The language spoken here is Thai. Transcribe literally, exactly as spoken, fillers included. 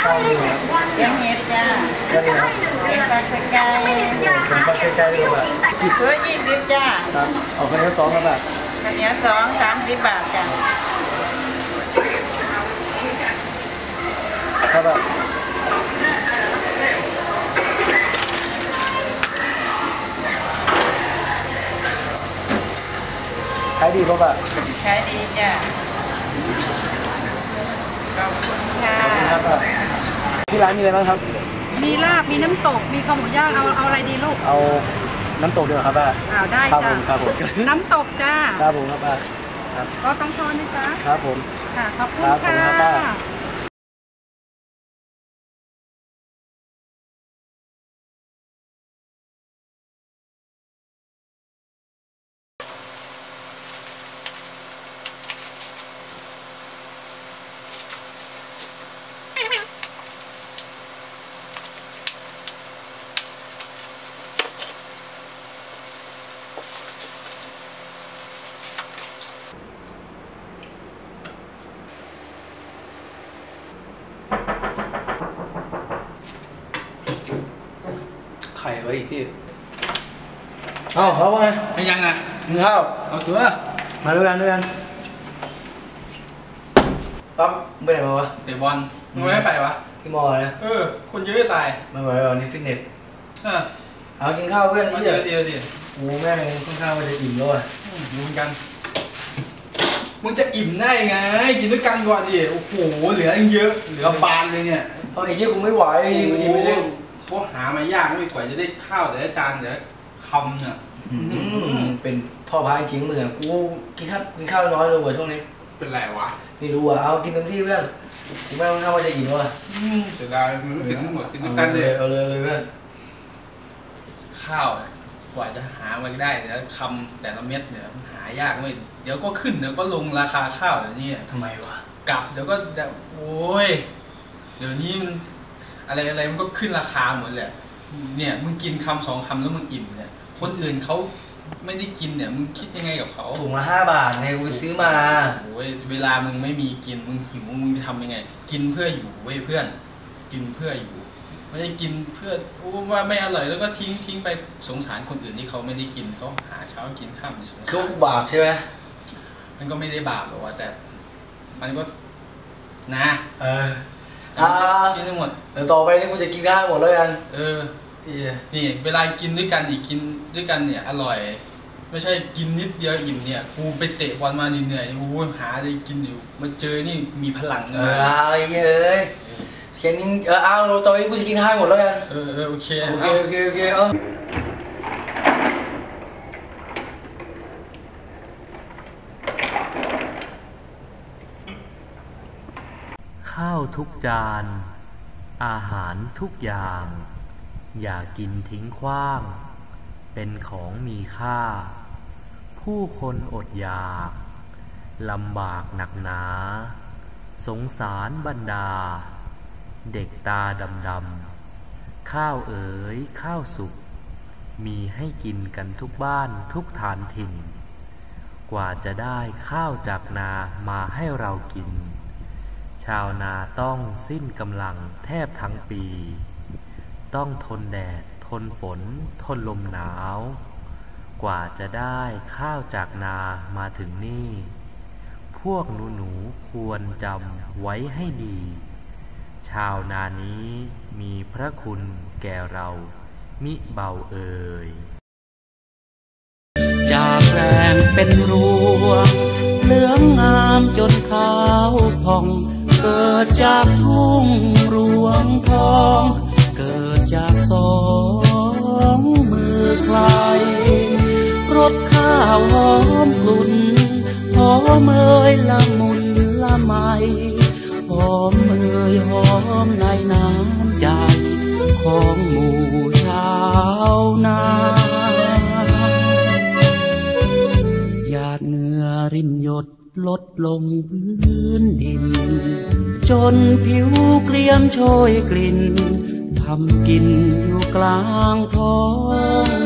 ข้าวนี่ครับแกงเห็ดจ้าแค่นี้ครับแกงปลาสกายเป็นปลาใกล้ๆดีกว่าสิบตัวยี่สิบจ้าครับเอาไปแล้วสองครับแบบข้าวเหนียวสองสามสิบบาทจ้าครับแบบขายดีป่ะแบบขายดีจ้าขอบคุณค่ะที่ร้านมีอะไรบ้างครับมีลาบมีน้ำตกมีข้าวหมูย่างเอาเอาอะไรดีลูกเอาน้ำตกเดียวครับป้าเอาได้จ้าครับผมน้ำตกจ้าครับผมครับป้าครับก็ต้องทอนนะจ๊ะครับผมค่ะขอบคุณค่ะไข่ไว้พี่เอาเขาไงไม่ยังอ่ะกินข้าวเอาตัวมาด้วยกันด้วยกันปั๊บไปไหนมาวะเตะบอลมึงไม่ไปวะที่มอนะเออคนเยอะจะตายไม่ไหวหรอนี่ฟิตเนสอ่ะเอากินข้าวเพื่อนนี่เดี๋ยวเดี๋ยวดิโอ้แม่งกินข้าวมันจะอิ่มแล้วอ่ะดูกันมึงจะอิ่มได้ไงกินด้วยกันก่อนดิโอ้โหเหลือเยอะเหลือบานเลยเนี่ยตอนไอ้ยี่กูไม่ไหวอิ่มไม่ได้พวกหามายากไม่กว่าจะได้ข้าวแต่ละจานแต่ละคำเนี่ยเป็นพ่อพายจริงเหมือนกูกินข้าวกินข้าวน้อยลงกว่าช่วงนี้เป็นไรวะไม่รู้อ่ะเอากินเต็มที่เพื่อนกูไม่ต้องข้าวว่าจะอิ่มว่ะเสียดายมันไม่กินทั้งหมดกินด้วยกันเลยเอาเลยเลยเพื่อนข้าวกว่าจะหามาได้แต่ละคำแต่ละเม็ดเนี่ยหายากไม่เดี๋ยวก็ขึ้นเดี๋ยวก็ลงราคาข้าวเดี๋ยวนี้ทำไมวะกลับเดี๋ยวก็จะโอ้ยเดี๋ยวนี้มันอะไรอะไรมันก็ขึ้นราคาหมดแหละเนี่ยมึงกินคำสองคำแล้วมึงอิ่มเนี่ยคนอื่นเขาไม่ได้กินเนี่ยมึงคิดยังไงกับเขาถุงละห้าบาทไงกูซื้อมาโอ้ยเวลามึงไม่มีกินมึงหิวมึงจะทำยังไงกินเพื่ออยู่เว้ยเพื่อนกินเพื่ออยู่ไม่ได้กินเพื่อว่าไม่อร่อยแล้วก็ทิ้งทิ้งไปสงสารคนอื่นที่เขาไม่ได้กินเขาหาเช้ากินข้ามสงสารคือบบาปใช่ไหมมันก็ไม่ได้บาปหรอกว่าแต่มันก็นะเอออ่ากินทั้งหมดเดี๋ยวต่อไปนี่กูจะกินข้าวหมดแล้วกันเออนี่เวลากินด้วยกันอีกกินด้วยกันเนี่ยอร่อยไม่ใช่กินนิดเดียวอิ่มเนี่ยกูไปเตะบอลมาเหนื่อยกูหาอะไรกินอยู่มาเจอนี่มีพลังเลยเออไอ้เอ้ยแค่นี้เออเอาต่อไปกูจะกินข้าวหมดแล้วกันเออเออโอเคโอเคโอเคโอเคเออข้าวทุกจานอาหารทุกอย่างอย่ากินทิ้งขว้างเป็นของมีค่าผู้คนอดอยากลำบากหนักหนาสงสารบรรดาเด็กตาดำๆข้าวเอ๋ยข้าวสุกมีให้กินกันทุกบ้านทุกฐานถิ่นกว่าจะได้ข้าวจากนามาให้เรากินชาวนาต้องสิ้นกำลังแทบทั้งปีต้องทนแดดทนฝนทนลมหนาวกว่าจะได้ข้าวจากนามาถึงนี่พวกหนูหนูควรจำไว้ให้ดีชาวนานี้มีพระคุณแก่เรามิเบาเอ่ยจากแรงเป็นรวงเหลืองงามจนขาวผ่องเกิดจากทุ่งรวงทองเกิดจากสองมือใครรสข้าวหอมกลุ่นหอมเอ่ยละมุนละไมหอมเอ่ยหอมในน้ำใจของหมู่ชาวนาหยาดเหงื่อรินหยดลดลงพื้นดินจนผิวเกรียมโชยกลิ่นทำกินอยู่กลางท้อง